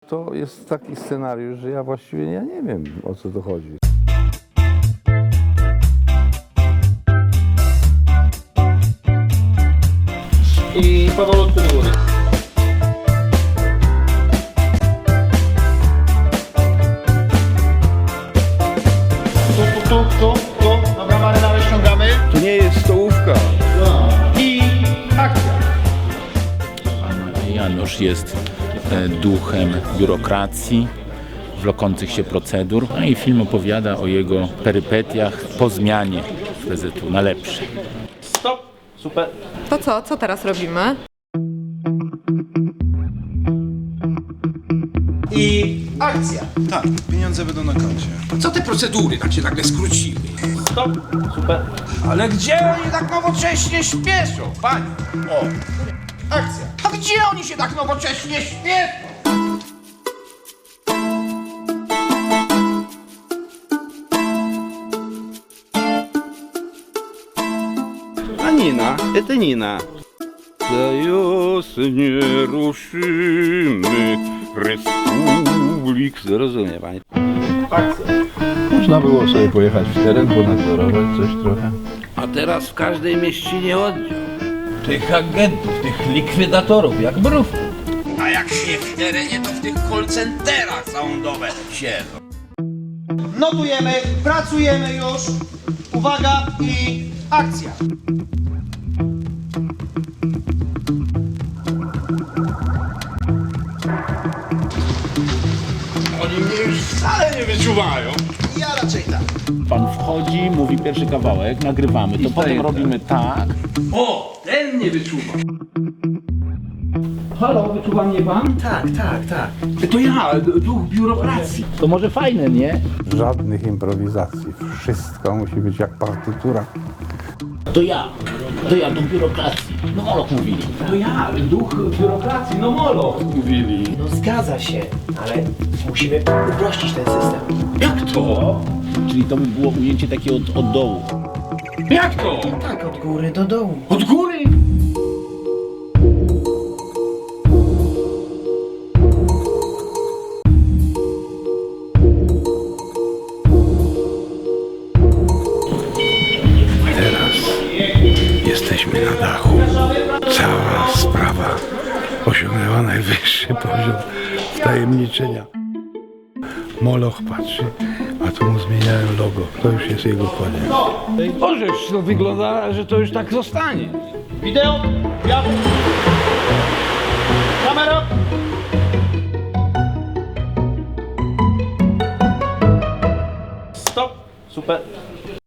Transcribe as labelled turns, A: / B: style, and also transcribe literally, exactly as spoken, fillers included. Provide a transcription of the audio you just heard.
A: to jest taki scenariusz, że ja właściwie ja nie wiem, o co to chodzi.
B: I powolutku do góry. Tu, tu, tu, tu, tu. Dobra, marynarę ściągamy.
A: To nie jest stołówka.
B: I akcja.
C: Pan Janusz jest e, duchem biurokracji, wlokących się procedur, no i film opowiada o jego perypetiach po zmianie z P Z U na lepsze.
B: Stop. Super.
D: To co? Co teraz robimy?
B: I akcja.
E: Tak, pieniądze będą na koncie.
F: Co te procedury tak się nagle skróciły?
B: Stop. Super.
F: Ale gdzie oni tak nowocześnie śpieszą, panie? O,
B: Akcja.
F: a gdzie oni się tak nowocześnie śpieszą?
A: A Nina, это Nina. Za wiosnie ruszymy Republik. Zrozumie pani.
B: Akcja.
A: Można było sobie pojechać w teren, ponadzorować coś trochę.
G: A teraz w każdej mieścinie oddział. Tych agentów, tych likwidatorów, jak mrówków.
F: A jak się w terenie, to w tych call centerach całą dobę siedzą.
B: Notujemy, pracujemy już. Uwaga i akcja.
F: Oni mnie już wcale nie wyczuwają. Ja raczej tak.
C: Pan wchodzi, mówi pierwszy kawałek, nagrywamy, to potem robimy tak.
F: O, ten mnie wyczuwa.
G: Halo, wyczuwa mnie pan? Tak, tak, tak. To ja, duch biurokracji.
C: To może fajne, nie?
A: Żadnych improwizacji. Wszystko musi być jak partytura.
C: To ja, to ja do biurokracji. No Moloch mówili.
G: To ja, duch biurokracji, no molo. Mówili.
H: No zgadza się, ale musimy uprościć ten system.
G: Jak to?
C: Czyli to by było ujęcie takie od, od dołu.
G: Jak to?
H: Tak, od góry do dołu.
G: Od góry?
E: Teraz jesteśmy na dachu. Cała sprawa osiągnęła najwyższy poziom wtajemniczenia. Moloch patrzy, a tu mu zmieniają logo. To już jest jego koniec.
G: Możesz, to wygląda, że to już tak zostanie.
B: Wideo. Ja. Kamera. Stop. Super.